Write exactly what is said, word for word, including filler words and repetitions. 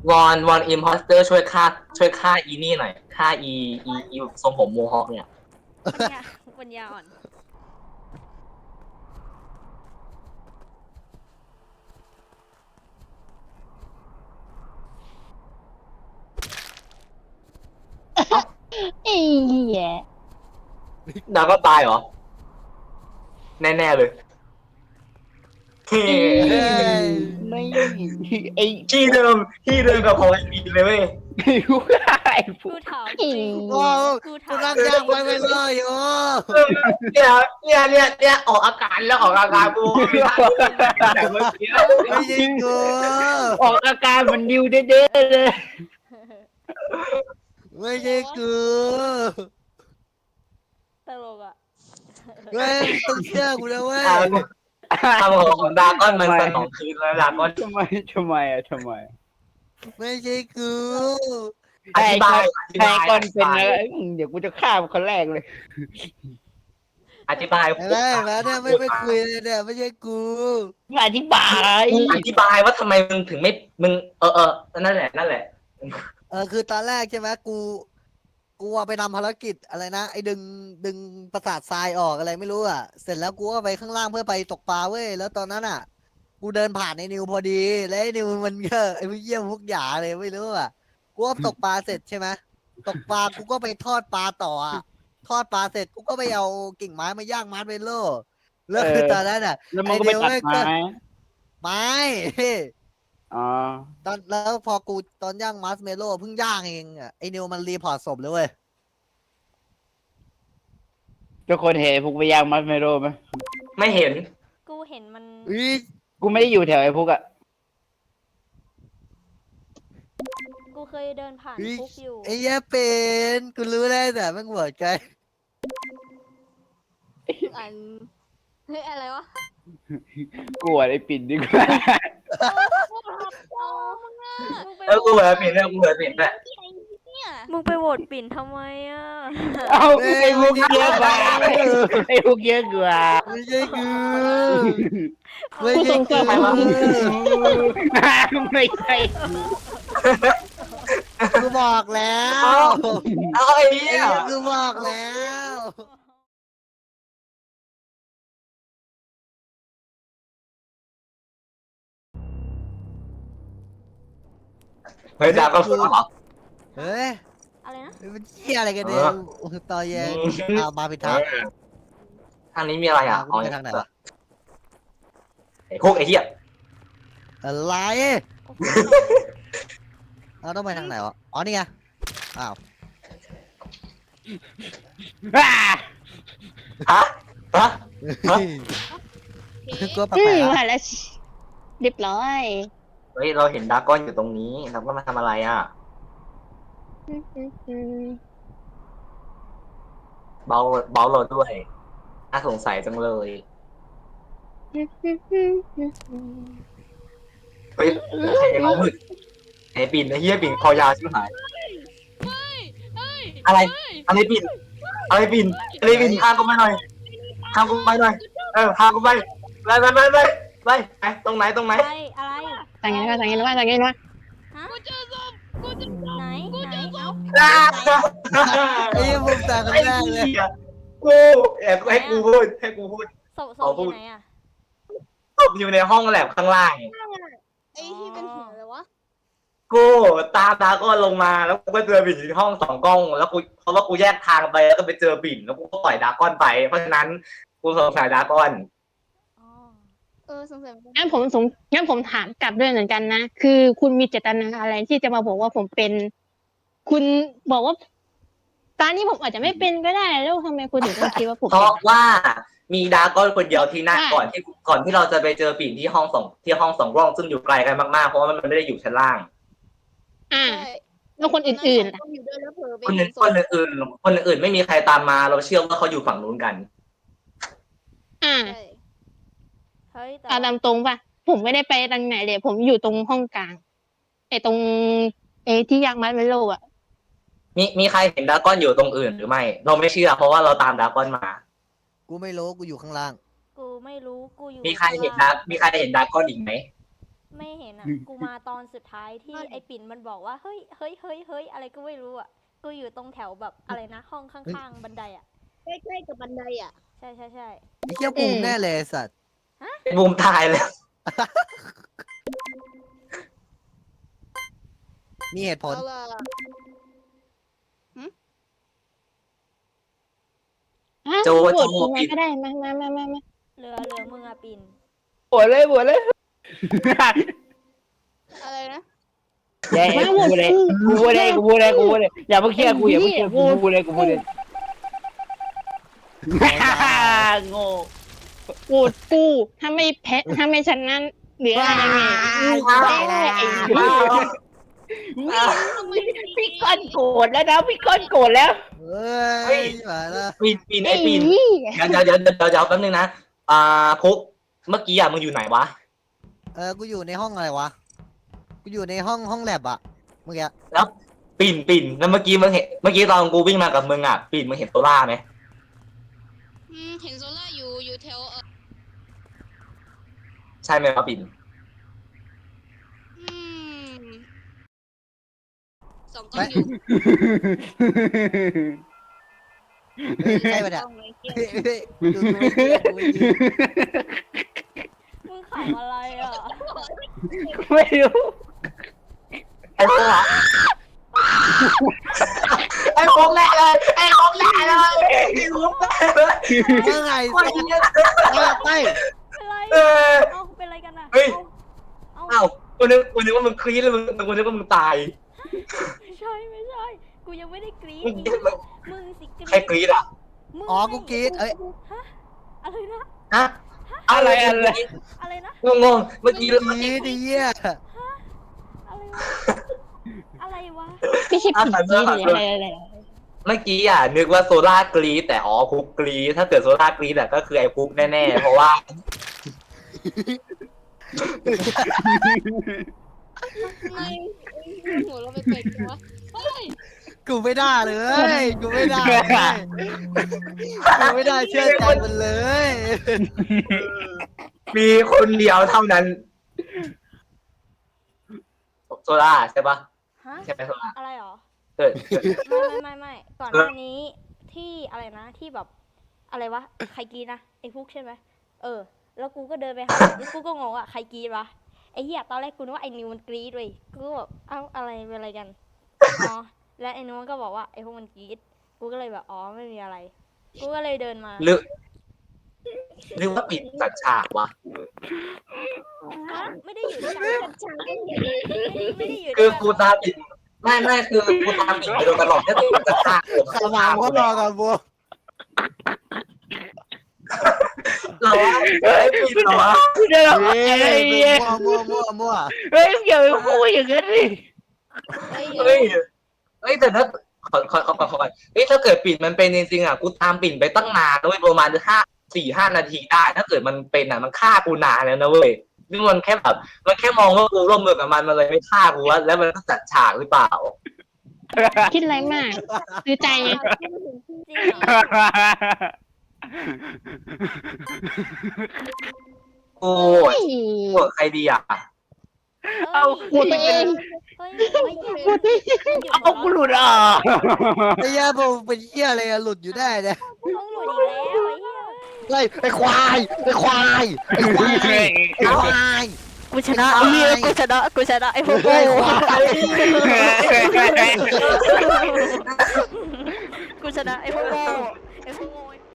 วอนวอนอิมพอสเตอร์ช่วยฆ่าช่วยฆ่าอีนี่หน่อยฆ่าอีอีอีทรงผมโมฮอคเนี่ยปัญญาปัญญาอ่อนไอ้เหี้ยดาวก็ตายเหรอแน่ๆเลยเฮ้อีเฮ้ยไม่ไอ้ที่เดิมที่เดิมกับของไอพีเลยเว้ยกูไอ้พวกูกถามไอ้จริงโอ้กูกูถามนั่งย่างไปไม่เลยโอ้เออเนี่ยเนี่ยเนี่ยเนี่ยออกอาการแล้วออกอาการกูไม่ทันแต่เมื่อกี้ไม่ใช่กูออกอาการเหมันดิวเด้ๆเลยไม่ใช่กูตลกอ่ะเว้ยต้องเชื่อกูนะเว้ยทำของของดาก้อนมันสนองคืนแล้วดาก้อนทำไมทำไมอ่ะทำไมไม่ใช่กูอธิบายอธิใครบายก่อนเป็นอะไรเดี๋ยวกูจะฆ่ามันคนแรกเลยอธิบายไอ้แม่มาเนี่ยไม่ไม่คุยเลยเนี่ยไม่ใช่กูมึงอธิบายอธิบายว่าทำไมมึงถึงไม่มึงเออเออนั่นแหละนั่นแหละเออคือตอนแรกใช่ไหมกู กูอะไปทำภารกิจอะไรนะไอ้ดึงดึงประสาททรายออกอะไรไม่รู้อ่ะ เสร็จแล้วกูก็ไปข้างล่างเพื่อไปตกปลาเว้ยแล้วตอนนั้นอ่ะ กูเดินผ่านไอ้นิวพอดี แล้วไอ้นิวมันก็ไอ้พวกเยี่ยมพวกหยาเลยไม่รู้อ่ะกูก็ตกปลาเสร็จใช่ไหมตกปลากูก็ไปทอดปลาต่ออ่ะทอดปลาเสร็จกูก็ไปเอากิ่งไม้มาย่างมัดเมโล่แล้วคือตอนนั้นอ่ะแล้วมันก็ไปตัดไม้ไม้อ๋อตอนแล้วพอกูตอนย่างมัสเมโล่เพิ่งย่างเองอ่ะไอ้นิวมันรีพอร์ตศพเลยเว้ยทุกคนเห็นพวกไปย่างมัสเมโร่ไหมไม่เห็นกูเห็นมันอุ๊ยกูไม่ได้อยู่แถวไอ้พวกอะกูเคยเดินผ่านอุ๊ยคุกอยู่ไอ้เหี้ยเป็นกูรู้ได้แต่แม่งหัวใจอันเฮ้ยอะไรวะกลัวไอ้ปิ่นดีกว่าอ๋อมึงอ่ะมึงไปเออกูเหมือนเปลี่ยนเรื่องกูเหมือนเปลี่ยนด้วยมึงไปโหวตปิ่นทำไมอ่ะเอาไอ้พวกเยอะกว่าไอ้พวกเยอะกว่าไม่ใช่กูไม่ใช่กูไม่ใช่กูบอกแล้วเอาไอ้ไอ้เหี้ยเหี้ยกูบอกแล้วเฮ้ยดาก็สู้เหรอเฮ้ยอะไรนะมันเหี้ยอะไรกันเนี่ยตอนเย็นเอามาผิดทางทางนี้มีอะไรอ่ะกูไปทางไหนวะไอ้พวกไอ้เหี้ยอะไรเราต้องไปทางไหนวะอ๋อนี่ไงอ้าวอ่าฮะฮะ ฮะกูแปอืลมกๆมาอะแล้วเรียบร้อยเฮ้ยเราเห็นดาก้อนอยู่ตรงนี้เราก็มาทำอะไรอ่ะเบาเบาเราด้วยน่าสงสัยจังเลยเฮ้ยไอ้เขามืดไอ้ปิ่นไอ้เหี้ยปิ่นคอยาวชิบหายอะไรอะไรปิ่นอะไรปิ่นอะไรปิ่นพากูไปหน่อยพากูไปหน่อยเออพากูไปไปไปไปไปไปไปตรงไหนตรงไหนอะไรอะไรสั่งยังไงสั่งยังไงว่าสั่งยังไงว่าฮะไหนไหนเอ้าอ่าไอ้เหี้ยมุมตาคนไอ้แรกเลยเหี้ยกูแอบให้กูพูดให้กูพูดศพศเอาพพูอยู่ดไหนอ่ะศพอยู่ในห้องแลบข้างล่างไอ้ที่เป็นหัวเลยวะกูตามดาก้อนลงมาแล้วกูก็เจอบิ่นอยู่ที่ห้องสองกล้องแล้วกูเพราะว่ากูแยกทางไปแล้วก็ไปเจอบิ่นแล้วกูก็ปล่อยดาก้อนไป เพราะฉะนั้นกูสงสัยดาก้อนอ๋อเออสงสัยงั้นผมสงงั้นผมถามกลับด้วยเหมือนกันนะ คือคุณมีเจตนาอะไรที่จะมาบอกว่าผมเป็น คุณบอกว่าตอนนี้ผมอาจจะไม่เป็นก็ได้ แล้วทำไมคุณถึงต้องคิดว่าผมเพเป็นราะว่ามีดาก้อนคนเดียวที่นั่นใช่ก่อนที่ก่อนที่เราจะไปเจอบิ่นที่ห้องสองที่ห้องสองกล้องซึ่งอยู่ไกลกันมากๆเพราะว่ามันไม่ได้อยู่ชั้นล่างอ่า แล้วคนอื่นๆล่ะอยู่ด้วยแล้วเผลอไปคนอื่นคนอื่นคนอื่นไม่มีใครตามมา เราเชื่อว่าเขาอยู่ฝั่งนู้นกันอ่าเฮ้ยแต่เอาตามตรงป่ะ ผมไม่ได้ไปทางไหนเลย ผมอยู่ตรงห้องกลางไอ้ตรงไอ้ที่ยางมัดไวโลอ่ะมีมีใครเห็นดาก้อนอยู่ตรงอื่นหรือไม่ เราไม่เชื่อ เพราะว่าเราตามดาก้อนมากูไม่รู้กูอยู่ข้างล่างกูไม่รู้กูอยู่มีใครเห็นดามีใครเห็นดาก้อนอีกไหมไม่เห็นอ่ะ กูมาตอนสุดท้ายที่ไอ้ปิ่นมันบอกว่าเฮ้ยเฮ้ยเฮ้ยเฮ้ยอะไรก็ไม่รู้อ่ะ กูอยู่ตรงแถวแบบอะไรนะ ห้องข้างๆบันไดอ่ะใกล้ๆกับบันไดอ่ะใช่ใช่ใช่ไอ้เหี้ยบูมแน่เลยไอ้สัตว์บูมตายแล้วมีเหตุผลเอาล่ะอ่ะโจโหวโจตกูมาปิดก็ได้มามามามามาเหลือเหลือมึงอะปิ่นปวดเลยปวดเลยอะไรนะแย่กูพูดเลยกูพูดเลยกูพูดเลยกูพูดเลยอย่าเพิ่งเชื่อกูอย่าเพิ่งเชื่อกูพูดเลยกูพูดเลยโง่โหวตกูถ้าไม่แพ้ถ้าไม่ชนะเหลืออะไรไงแพ้ไอ้เหี้ยทำไมพี่ก้อนโกรธแล้วนะพี่ก้อนโกรธแล้วเฮ้ยมาแล้วปีนปีนไอ้ไอ้ปีนเหี้ยเดี๋ยวเดี๋ยวเดี๋ยวเดี๋ยวเดี๋ยวแป๊บนึงนะอ่าพุกเมื่อกี้อ่ะมึงอยู่ไหนวะเออกูอยู่ในห้องอะไรวะกูอยู่ในห้องห้องแลบอะเมื่อกี้ปีนปีนแล้วเมื่อกี้มึงเห็นเมื่อกี้ตอนกูวิ่งมากับมึงอ่ะปีนมึงเห็นโซล่าไหมอืมเห็นโซล่าอยู่อยู่แถวเออใช่ไหมครับปีนอืมสองกล้องอยู่เฮ้ยใช่ปะเนี่ยกล้องไว้เกี่ยวเฮ้ยเฮ้ยดูดูไม่ดีดูไม่ดีมึงขำอะไรอ่ะไม่รู้ไอ้พวกอะไอ้พวกแน่เลยไอ้พวกแน่เลยไอ้พวกแน่เลยเมื่อไงไอ้เหี้ยไปไปเป็นไรเออเอ้าเป็นไรกันอ่ะเฮ้ยเอ้าอ้าวกูนึกกูนึกว่ามึงคลีดเลยมึงกูนึกว่ามึงตายไม่ใช่ไม่ใช่ กูยังไม่ได้กรี๊ดมึงอีกมึงสิกรี๊ดใครกรีดอ่ะมึงอ๋อกูกรีดเอ้ยฮะอะไรนะฮะอะไรอะไรอะไรนะงงงๆเมื่อกี้กรีดดิเหี้ยอะไรวะ อะไรวะไม่ใช่ผีหรืออะไรอะไรเมื่อกี้อ่ะนึกว่าโซล่ากรีดแต่อ๋อพุกกรีดถ้าเกิดโซล่ากรีดอ่ะก็คือไอ้พุกแน่ๆเพราะว่าทำไมหัวเราไปเป็ดวะเฮ้ยกูไม่ได้เลยกูไม่ได้เลยกูไม่ได้เชื่อใจมันเลยมีคนเดียวเท่านั้น โซล่าใช่ปะฮะใช่ไหมโซล่าอะไรหรอเกิดเกิดไม่ไม่ไม่ไม่ก่อนหน้านี้ที่อะไรนะที่แบบอะไรวะใครกรีดนะไอ้ฟุกใช่ไหมเออ แล้วกูก็เดินไปหาแล้วกูก็งงอ่ะใครกรีดวะไอ้เหี้ยตอนแรกกูนึกว่าไอ้นิวมันกรีดเว้ยกูก็แบบเอ้าอะไรเป็นอะไรกันอ๋อแล้วไอ้นิวมันก็บอกว่าไอ้พวกมันกรีดกูก็เลยแบบอ๋อไม่มีอะไร กูก็เลยเดินมาหรือหรือว่าปิดจัดฉากวะฮะไม่ได้อยู่ด้วยกันไม่ได้อยู่คืด้อวยกูตามปิดไม่ไม่คือกูตามปิดไปโดยตลอดแค่ปิดจัดฉากผมสว่างก็รอกันบัวเราว่าไอ้ปิดเหรอวะเดี๋ยวเฮ้ไอ้ยเหี้ยมั่วมั่วมั่วมั่วเฮ้ยอย่าไปพูดอย่างนั้นดิเฮ้ยเฮ้ยเฮ้ยแต่ถ้าขอขอขอขอขอเฮ้ยถ้าเกิดปิดมันเป็นจริงๆอ่ะกูตามปิดไปตั้งนานด้วยประมาณห้าสี่ห้านาทีได้ ถ้าเกิดมันเป็นอ่ะมันฆ่ากูนานแล้วนะเว้ยนี่มันแค่แบบมันแค่มองว่ากูร่วมมือกับมันมันเลยไม่ฆ่ากูวะแล้วมันก็จัดฉากหรือเปล่าคิดอะไรมากซื้อใจไงจริงเหรอโอ้ยโหวตใครดีอ่ะเอาโหวตตัวเองเฮ้ยเฮ้ยเฮ้ยโหวตตัวเองเอากูหลุดอ่ะไอ้เหี้ยผมเป็นเหี้ยอะไรอะหลุดอยู่ได้เนี่ยต้องหลุดอีกแล้วไอ้เหี้ยไล่ไอ้ควายไอ้ควายไอ้ควายไอ้ควายกูชนะไอ้เหี้ยกูชนะกูชนะไอ้พวกไอ้ควายกูชนะไอ้พวก